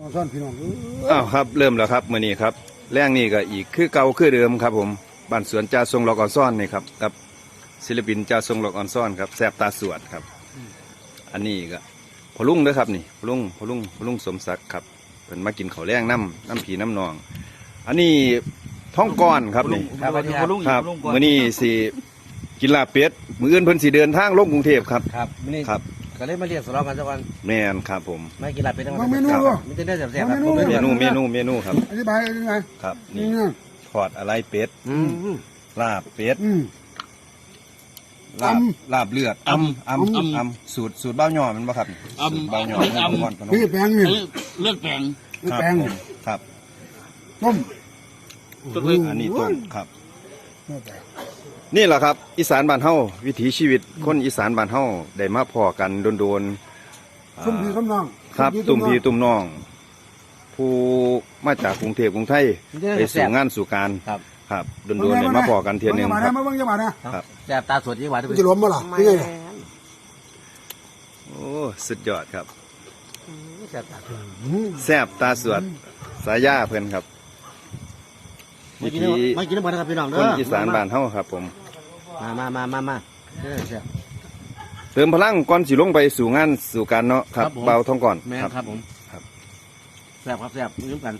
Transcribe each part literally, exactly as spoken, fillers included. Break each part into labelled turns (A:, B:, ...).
A: ซ่อนพี่น้อง
B: อ้าวครับเริ่มแล้วครับมื้อนี้ครับแรงนี่ก็อีกคือเก่าคือเดิมครับผมบ้านสวนจ่าทรงหลอกอ่อนซ่อนนี่ครับกับศิลปินจ่าทรงหลอกอ่อนซ่อนครับแสบตาสวดครับอันนี้ก็พอลุงเด้อครับนี่พอลุงพอลุงพอลุงสมศักดิ์ครับเพิ่นมากินข้าวแรงน้ำน้ำผีน้ำนองอันนี้ท้องก้อนครับนี่
C: ครับสวัสดีครับ
B: ครับมื้อนี้สิกินลาบเป็ดมื้ออื่นเพิ่นสิเดินทางลงกรุงเทพครับ
C: ครับมื้อนี้
B: ครับ
C: ก็เลยมาเรียกสำหรับมันสักวัน
B: แม่นครับผม
C: ไม่กินหลับเป็นทั้งวั
A: มาน เมนูด้วย
C: มีแต่เนื้อแซ่บๆครับ
A: เมนู
C: ผมไม่
B: เม
C: เลือก
B: นูเมนูเมนูครับ
A: อธิบายยังไง
B: ครับ
A: นี่
B: นี่
A: นะ
B: ทอดอะไรเป็ด
C: อืม
B: ลาบเป็ด
A: อืม
B: ลาบ
A: อำ
B: ลาบเลือดอำอำอำอำสูตรสูตรเบ้าหย่อมันบ่ครับ
D: อำ
B: สูตรเบ้าหย่อ
D: อำ
B: เมืองนครพนม
A: พี่แปลงนี่
D: เอ้ยเลือดแปลง
B: ครับ
A: แปลง
B: ผมครับ
A: ต้ม
D: ต้มเลย
B: อันนี้ต้มครับ
A: ไม่แปลง
B: นี่แหละครับ อีสานบ้านเฮาวิถีชีวิตคนอีสานบ้านเฮาได้มาพอกันโดนๆอ่า
A: ส้มพี่ส้มน้อง
B: ครับตุ่มพี่ตุ่มน้อง ผู้มาจากกรุงเทพกรุงไทย
C: มีแต่
B: ไป
C: เนื้อ
B: สู่
C: แซ่บ
B: งานสู่การ
C: ครับ
B: ครับโดนๆได้มาพอกันเทียหนึง
A: มา
B: ค
A: ได้
B: รับ
A: มาเบิ่งจะมาได้
B: ครับ
C: แซ่บตาสดยิ่งหวาน
A: มันจะล้มบ่ล่ะนี่ไงล่ะ
B: โอ้สุดยอดครับ
C: แซ่บตาสด
A: อืม
B: แซบตาสวดสายาเพิ่นครับ
C: ไม่
B: วิ
C: กิน
B: ถี
C: ไม่กินน้ำมันนะครับพี่น้องเด้
B: ค
C: อน
B: อีสานบ้านเฮาครับผม
C: มามามามามาเด้อแซ่บ
B: เติมพลังก่อนสิลงไปสู่งานสู่การเนาะครับ
C: ครับผม
B: เบาท้องก่อน
C: แม่นครับผม
B: ครับ
C: แซ่บครับแซ่บยืมกัน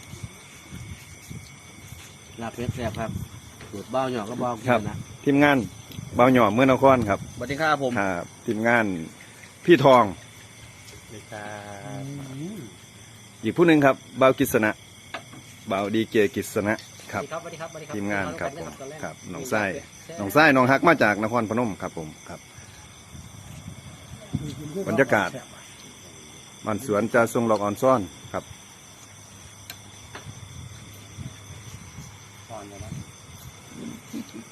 C: ลาบเป็ดแซ่บครับสูตรเบ้าหยอกก็เบ้ากินนะ
B: ทีมงานเบาหย่อเมื่อนครครับ
C: สวัสดีครับผม
B: ครับทีมงานพี่ทอง
C: สวัสดีครับ
B: อีกผู้หนึ่งครับเบากิษณะเบาดีเกกิษณะครับ
C: สวัสดีครับสวัสดีครับ
B: ทีมงานครับผมครับน้องไส้น้องไส้น้องฮักมาจากนครพนมครับผมครับบรรยากาศบ้านสวนจ่าทรงหลอกอ่อนซ่อนครับ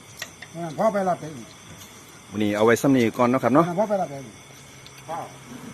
A: พ่อไปรับไป
B: วันนี้เอาไว้ซ้ำนี้ก่อนเนาะครับเนาะ
A: พ่อไปรับไปพ่อ